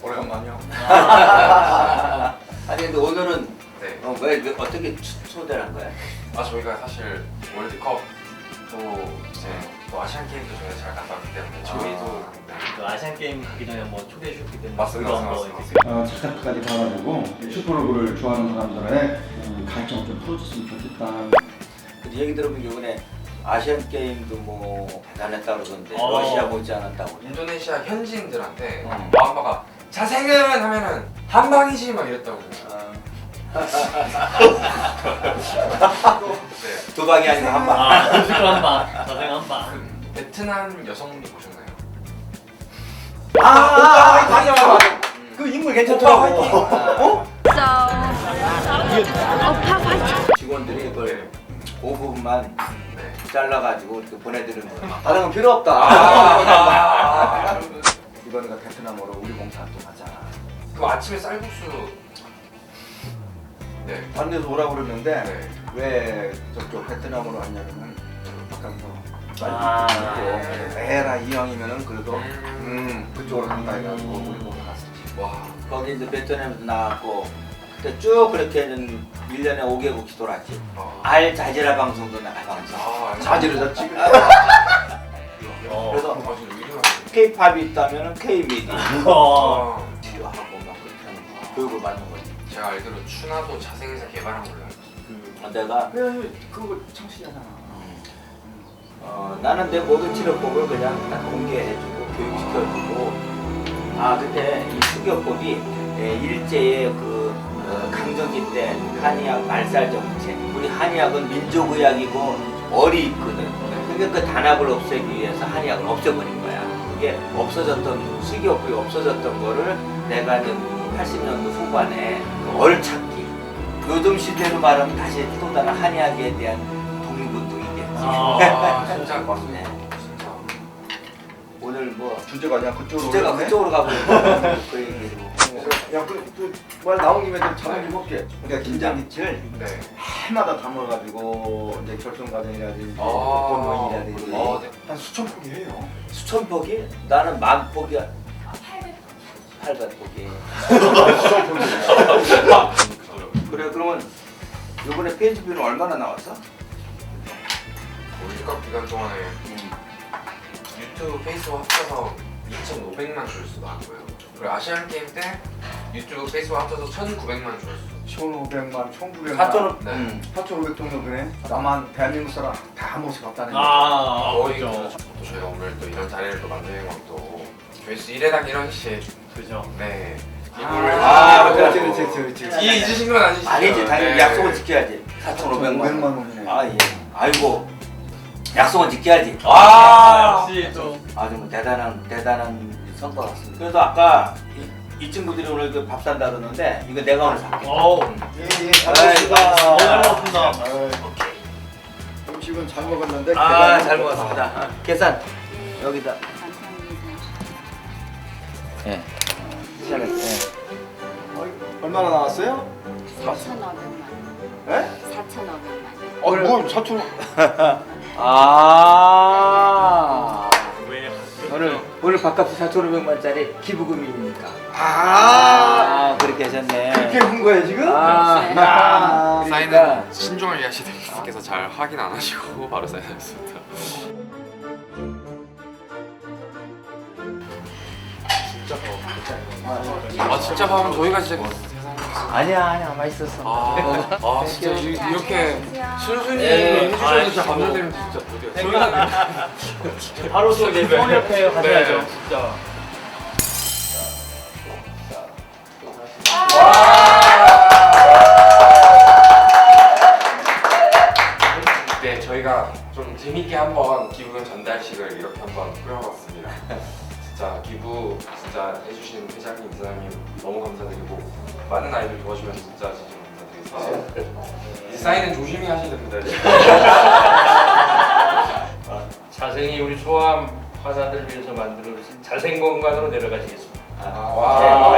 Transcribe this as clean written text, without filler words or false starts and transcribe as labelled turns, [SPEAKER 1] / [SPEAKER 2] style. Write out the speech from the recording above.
[SPEAKER 1] 오래간만이요.
[SPEAKER 2] 아니 근데 오늘은
[SPEAKER 3] 네.
[SPEAKER 2] 왜 어떻게 초대를 한 거야?
[SPEAKER 3] 저희가 사실 월드컵 또 이제 또 아시안 게임도 저희가 잘 갔다 왔기 때문에 저희도
[SPEAKER 4] 그 아시안 게임 가기 전에 뭐 초대해 주셨기 때문에
[SPEAKER 3] 맞습니다,
[SPEAKER 4] 그거 한번
[SPEAKER 3] 맞습니다.
[SPEAKER 4] 이렇게
[SPEAKER 5] 제작까지 가가지고 슈퍼로그를 좋아하는 사람들의 갈증을 좀 풀어줬으면 좋겠다.
[SPEAKER 2] 근데 얘기 들으면 이번에 아시안 게임도 뭐 대단했다 그러던데
[SPEAKER 4] 어.
[SPEAKER 2] 러시아 못지 않았다고.
[SPEAKER 3] 인도네시아 현지인들한테
[SPEAKER 2] 어.
[SPEAKER 3] 마음바가 자생은 하면은 한 방이지 막 이랬다고. 네.
[SPEAKER 2] 두 방이 아니라 한 방.
[SPEAKER 4] 무조건 한 방, 자생 한 방.
[SPEAKER 3] 베트남 여성분도 보셨나요?
[SPEAKER 2] 맞아. 그 인물 괜찮더라고. 직원들이 그걸 그 부분만
[SPEAKER 3] 네.
[SPEAKER 2] 잘라가지고 이렇게 보내드리는 거야. 다른 건 필요 없다. 이번에 베트남으로 우리 봉사 또 가잖아.
[SPEAKER 3] 그 아침에 쌀국수. 네.
[SPEAKER 2] 다른 데서 오라고 그러는데
[SPEAKER 3] 네.
[SPEAKER 2] 왜 저쪽 베트남으로 왔냐면은 바깥에서
[SPEAKER 4] 아.
[SPEAKER 2] 에라 이왕이면은 그래도
[SPEAKER 3] 음.
[SPEAKER 2] 그쪽으로 간다 해가지고 우리 보고 갔었지.
[SPEAKER 3] 와.
[SPEAKER 2] 거기 이제 베트남에서 나왔고 그때 쭉 그렇게 1년에 5개국씩 돌았지. 알자지라 방송도 나가봤지. 자지러졌지. 그래서 K-팝이 있다면은 K-미디
[SPEAKER 4] 어.
[SPEAKER 2] 치료하고 막 그렇게 하는 거 교육을 받는 거지.
[SPEAKER 3] 제가 알기로 추나도 자생에서 개발한 걸로 알고 있어요.
[SPEAKER 2] 내가 그걸 창시하잖아. 나는 내 모든 치료법을 그냥 딱 공개해주고 교육시켜주고. 그때 이 수교법이 일제의 그 강점기 때 한의학 말살 정책. 우리 한의학은 민족의학이고 얼이 있거든. 그러니까 그 단합을 없애기 위해서 한의학을 없애버린 거야. 그게 없어졌던 수교법이 없어졌던 거를 내가 이제 80년도 후반에 그 얼찾기. 요즘 시대로 말하면 다시 또 다른 한의학에 대한 독립운동이겠지.
[SPEAKER 3] 진짜
[SPEAKER 2] 네.
[SPEAKER 3] 진짜.
[SPEAKER 2] 오늘 뭐
[SPEAKER 1] 주제가 그냥 그쪽으로.
[SPEAKER 2] 주제가
[SPEAKER 1] 오르네?
[SPEAKER 2] 그쪽으로 가고 있는 그 얘기로.
[SPEAKER 1] 야, 말 나온 김에 좀 자문 좀 할게. 그러니까 김장김치를
[SPEAKER 3] 네.
[SPEAKER 1] 해마다 담아가지고 이제 결승 과정이라든지
[SPEAKER 3] 아.
[SPEAKER 1] 복권모임이라든지
[SPEAKER 3] 네.
[SPEAKER 1] 한 수천 포기 해요.
[SPEAKER 2] 수천 포기? 나는 만 포기야. 800포기. 그래 그러면 이번에 페이지비는 얼마나 나왔어?
[SPEAKER 3] 월드컵 기간 동안에 유튜브, 페이스북 합쳐서 2,500만 조회수 나왔고요. 그리고 아시안 게임 때 유튜브, 페이스북 합쳐서 1,900만 조회수.
[SPEAKER 1] 1,500만, 1,900만.
[SPEAKER 2] 4,000원.
[SPEAKER 3] 네.
[SPEAKER 1] 4,500 정도 되네. 나만 대한민국 사람 다 한 번씩 봤다는 거.
[SPEAKER 3] 거의
[SPEAKER 4] 그렇죠.
[SPEAKER 3] 또 저희가 오늘 또 이런 자리를 또 만드는 것도 조회수 1회당 1원씩.
[SPEAKER 4] 그죠.
[SPEAKER 3] 네.
[SPEAKER 1] 그렇지.
[SPEAKER 3] 잊으신 건 아니시죠?
[SPEAKER 2] 아니지 당연히
[SPEAKER 3] 네.
[SPEAKER 2] 약속은 지켜야지. 4,500만
[SPEAKER 1] 500만
[SPEAKER 2] 원.
[SPEAKER 1] 원이네.
[SPEAKER 2] 예. 아이고 약속은 지켜야지.
[SPEAKER 4] 역시 또
[SPEAKER 2] 아주 뭐 대단한 성과 같습니다. 그래서 아까 이 친구들이 오늘 그 밥 산다 그러는데 이거 내가 오늘 살게.
[SPEAKER 1] 예, 잘
[SPEAKER 2] 아이고.
[SPEAKER 1] 먹었습니다.
[SPEAKER 4] 잘 먹었습니다.
[SPEAKER 1] 음식은 잘 먹었는데.
[SPEAKER 2] 잘 먹었습니다. 계산 여기다. 예. 시작했어.
[SPEAKER 1] 얼마나 나왔어요?
[SPEAKER 6] 4,500만.
[SPEAKER 1] 예?
[SPEAKER 6] 4,500만.
[SPEAKER 1] 뭘 사촌?
[SPEAKER 2] 오늘 밥값이 4,500만짜리 기부금이니까. 그렇게 하셨네.
[SPEAKER 1] 그렇게 한 거예요 지금?
[SPEAKER 2] 그러니까
[SPEAKER 3] 사인은 신중을 위하시는 분께서 잘 확인 안 하시고 바로 사인하셨습니다. 진짜 밥은 저희가 진짜
[SPEAKER 2] 아니야 맛있었어.
[SPEAKER 3] 진짜 이렇게 순순히
[SPEAKER 4] 네.
[SPEAKER 3] 해주셔서 진짜 감사드립니다. 진짜
[SPEAKER 4] 저희가 바로 또 이제 서울협회 가셔야죠.
[SPEAKER 3] 네.
[SPEAKER 4] 진짜.
[SPEAKER 3] 네, 저희가 좀 재밌게 한번 기부금 전달식을 이렇게 한번 꾸려봤습니다. 진짜 기부 진짜 해주신 회장님, 이사장님 너무 감사드리고 많은 아이들 도와주셔서 진짜 감사드리겠습니다. 이제 사인은 조심히 하셔야 됩니다.
[SPEAKER 4] 자생이 우리 소아암 환자들 위해서 만들어진 자생 공간으로 내려가시겠습니다.
[SPEAKER 3] 와.